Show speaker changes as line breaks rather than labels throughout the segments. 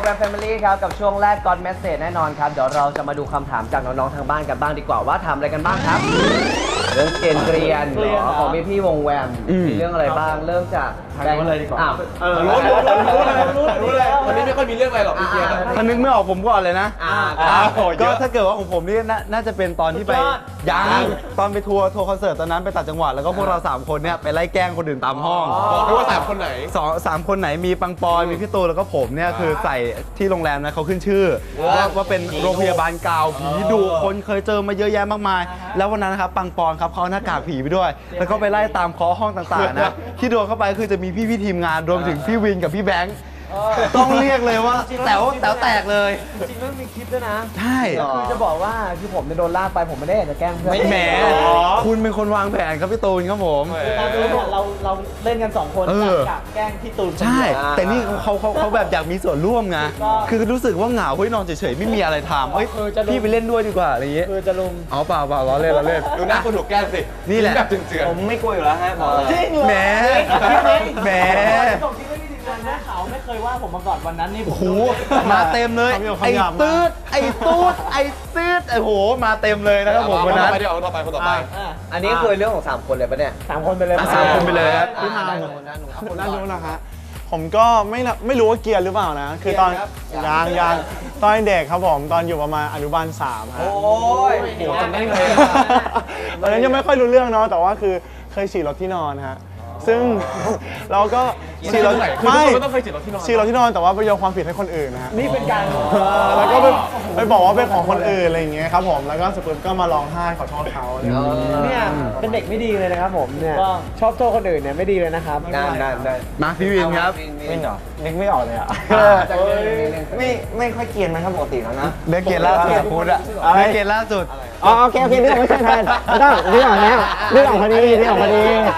แรมแฟมิลี่ครับกับช่วงแรก God Message แน่นอนครับเดี๋ยวเราจะมาดูคำถามจากน้องๆทางบ้านกันบ้างดีกว่าว่าทำอะไรกันบ้างครับเรื่องเกรียนของพี่วงแวมมีเรื่องอะไรบ้างเริ่มจากแบงค์เลยดีกว่า
รู้เลยวันนี้ไม่ค่อยมีเรื่องอะไรหรอกพี่เกียร์
ถ้านึกไม่ออกผมก่อนเลยนะก็ถ้าเกิดว่าของผมนี่น่าจะเป็นตอนที่ไปตอนไปทัวร์คอนเสิร์ตตอนนั้นไปต่างจังหวัดแล้วก็พวกเรา3คนเนี่ยไปไล่แกล้งคนอื่นตามห้อง
บอกด้วยว่า3 คนไหน
3 คนไหนมีปังปอนมีพี่ตูนแล้วก็ผมเนี่ยคือใส่ที่โรงแรมนะเขาขึ้นชื่อว่าเป็นโรงพยาบาลเก่าผีดุคนเคยเจอมาเยอะแยะมากมายแล้ววันนั้นนะครับปังปอนครับเขาหน้ากากผีไปด้วยแล้วก็ไปไล่ตามเคาะห้องต่างๆนะที่โดนเข้าไปคือจะมีพี่ทีมงานรวมถึงพี่วินกับพี่แบงค์ต้องเรียกเลยว่าแต๋วแตกเลย
จริงๆมันมีคลิปด้วยนะ
ใช่
คือจะบอกว่าคือผมโดนลากไปผมไม่ได้อยากจะแกล้งเพื่อน
ไม่แหมคุณเป็นคนวางแผนครับพี่ตูนครับผม
ตอนนี้เราเล่นกัน2 คนกับแกล้งพี่ตูน
ใช่แต่นี่เขาแบบอยากมีส่วนร่วมไงคือรู้สึกว่าเหงาเฮ้ยนอนเฉยๆไม่มีอะไรทำเฮ้ยพี่ไปเล่นด้วยดีกว่าอะไรอย่างเงี้ย
คือจะลุม
อ๋อเปล่าล้อเล่น
ดูหน้าคนถูกแกล้งสิ
นี่แหละ
แบบเจือน
ผมไม่กลัวอยู่แล้วฮะบอกเลย
จริงเหรอแหม
นะเขาไม่เคยว่าผมมาก่อนวันนั้นนี่
โอ้โหมาเต็มเลยไอ้ตืดไอ้ตูดไอ้ตืดไอ้โหมาเต็มเลยนะครับผมวันนั้น
เดี๋ยวต่อไป
อันนี้คือเรื่องของ3 คนเลยปะเนี่ย3 คนไปเลย
3 คนไปเลยครับ
พี่ทางคนน่ารู้นะฮะผมก็ไม่รู้ว่าเกียร์หรือเปล่านะคือตอนยังตอนเด็กครับผมตอนอยู่ประมาณอนุบาล3ฮะ
โอ้ย
จำได้เลย
ตอนนั้นยังไม่ค่อยรู้เรื่องเนาะแต่ว่าคือเคยฉี่รถที่นอนฮะซึ่งเราก็
ฉี่รถไม่ต้องเคยฉี่รถที่
นอนแต่ว่าไปโยนความผิดให้คนอื่นนะฮะ
นี่เป็นการ
แล้วก็ไปบอกว่าเป็นของคนอื่นอะไรอย่างเงี้ยครับผมแล้วก็สุดท้ายก็มาร้องไห้ขอโทษเขา
เนี่ยเป็นเด็กไม่ดีเลยนะครับผมเนี่ยชอบโทษคนอื่นเนี่ยไม่ดีเลยนะครับได้
มาพี่วินครับ
ไม่เหรอนึกไม่ออกเลยอ่ะ
ไม่ค่อยเกรียนนะครับปกติแล้วนะ
เรื่องเกรียนล่าสุดพูดอะเรื่องเกรียนล่าสุด
โอเคเรื่องไม่ใช่แทนไม่ต้องเรื่องออกแล้วเรื่องออกพอดีไม่ต้อง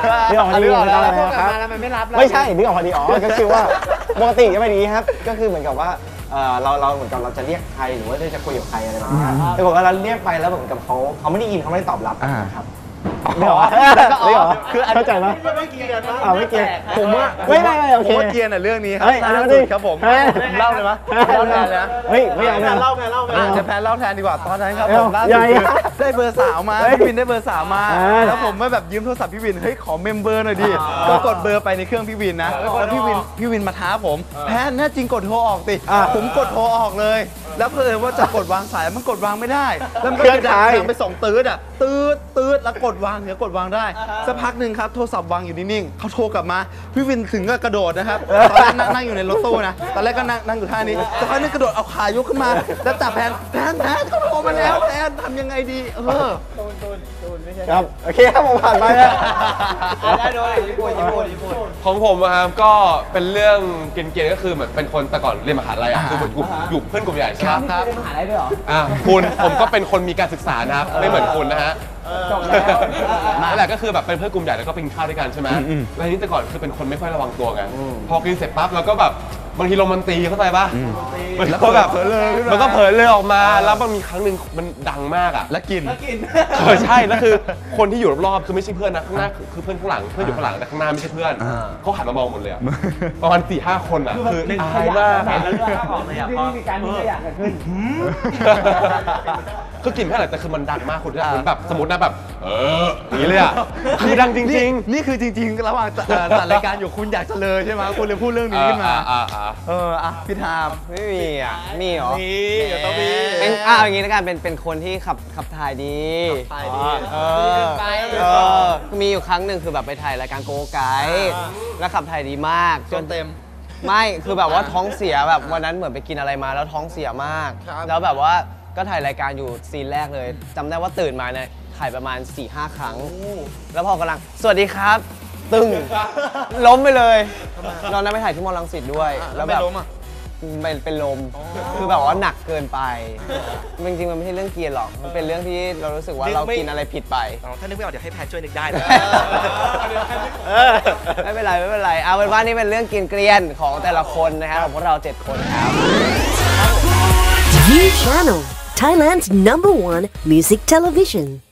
แล้วมันไม่รับ
ไม่ใช่เรื่องออกพอดีก็คือว่าปกติจะเป็นอย่างนี้ครับก็คือเหมือนกับว่าเราเหมือนกับเราจะเรียกใครหรือว่าจะคุยกับใครอะไรแบบนี้แต่บอกว่าเราเรียกไปแล้วเหมือนกับเขาไม่ได้ยินเขาไม่ได้ตอบรับนะครับ
คือ
เข้าใจไหม
ไม่เกียร์
ไม่เกียร์
ผมว่า
โอเค
เกียร์น่ะเรื่องนี้ครับล่าสุดครับผมเล่าเลยมั้ยเล่าแทนเลยนะ
เฮ้ยไม่เอา
เล่า
จะแพนเล่าแทนดีกว่าตอนนั้นครับผมล่าสุดได้เบอร์สาวมาพี่วินได้เบอร์สาวมาแล้วผมไม่แบบยืมโทรศัพท์พี่วินเฮ้ยขอเมมเบอร์หน่อยดิก็กดเบอร์ไปในเครื่องพี่วินนะแล้วพี่วินมาท้าผมแพนแน่จริงกดโทรออกสิผมกดโทรออกเลยแล้วเพื่อว่าจะกดวางสายมันกดวางไม่ได้แล้วมันก็ดังไป2ตืดอ่ะตืดแล้วกดวางกดวางได้สักพักหนึ่งครับโทรศัพท์วางอยู่นิ่งๆเขาโทรกลับมาพี่วินถึงก็กระโดดนะครับตอนแรกนั่งอยู่ในรถตู้นะตอนแรกก็นั่งอยู่ท่านี้สักพักนึงกระโดดเอาขายกขึ้นมาแล้วจับแพนเขาโทรมาแล้วแพนทำยังไงดี
ตูนไม่ใช่ครับโอเคครับผมผ่านไปแล้ว
ได้โดนญี่ปุ่น
ของผมครับก็เป็นเรื่องเกรียนก็คือเหมือนเป็นคนแต่ก่อนเรียนมหาลัยคืออยู่เพื่อนกลุ่มใหญ่ใช่ไหม
ครับเรียนมหาลัยด้วยเหรอ
คุณผมก็เป็นคนมีการศึกษานะครับไม่เหมือนคุณนะฮะนั่นแหละก็คือแบบเป็นเพื่อนกลุ่มใหญ่แล้วก็ไปกินข้าวด้วยกันใช่ไหมแล้วนี่แต่ก่อนคือเป็นคนไม่ค่อยระวังตัวไงพอกินเสร็จปั๊บเราก็แบบบางทีลมมันตีเข้าใจป่ะแล้วก็แบบมันก็เผลอเลยออกมาแล้วมันมีครั้งหนึ่งมันดังมากอ่ะ
แล้วกิน
ใช่แล้วคือคนที่อยู่รอบๆคือไม่ใช่เพื่อนนะข้างหน้าคือเพื่อนข้างหลังเพื่อนอยู่ข้างหลังแต่ข้างหน้าไม่ใช่เพื่อนเขาหันมามองหมดเลยประมาณ4-5 คนอ่ะคืออายมาก
ที่มีการมีขยะเกิดขึ้น
คือกลิ่นแค่ไหนแต่คือมันดังมากคุณที่แบบสมมตินะแบบอย่างนี้เลยอ่ะคือดังจริง
ๆนี่คือจริงๆระหว่างจัดรายการอยู่คุณอยากจะเลยใช่ไหมคุณเลยพูดเรื่องนี้ขึ้นมาพี่ทาม
ไม่มีอ่ะมีเหรอ
มีเดี๋ยวต้องมี
อย่างนี้แล้วกันเป็นคนที่ขับถ่ายดีมีอยู่ครั้งหนึ่งคือแบบไปถ่ายรายการโกไกด์แล้วขับถ่ายดีมาก
จนเต็ม
ไม่คือแบบว่าท้องเสียแบบวันนั้นเหมือนไปกินอะไรมาแล้วท้องเสียมากแล้วแบบว่าก็ถ่ายรายการอยู่ซีนแรกเลยจำได้ว่าตื่นมาเนี่ยถ่ายประมาณ 4-5 ครั้งแล้วพอกำลังสวัสดีครับตึ้งล้มไปเลยตอนนั้นไปถ่ายที่มอรังสิตด้วยแล้วแบบเป็นลมคือแบบว่าหนักเกินไปจริงๆมันไม่ใช่เรื่องเกียร์หรอกมันเป็นเรื่องที่เรารู้สึกว่าเรากินอะไรผิดไป
ถ้านึกไม่ออกเดี๋ยวให้แพทช่วยนึกได้นะ
ไม่เป็นไรเอาเป็นว่านี่เป็นเรื่องกินเกรียนของแต่ละคนนะครับของพวกเรา7 คนครับ
You Channel Thailand's #1 music television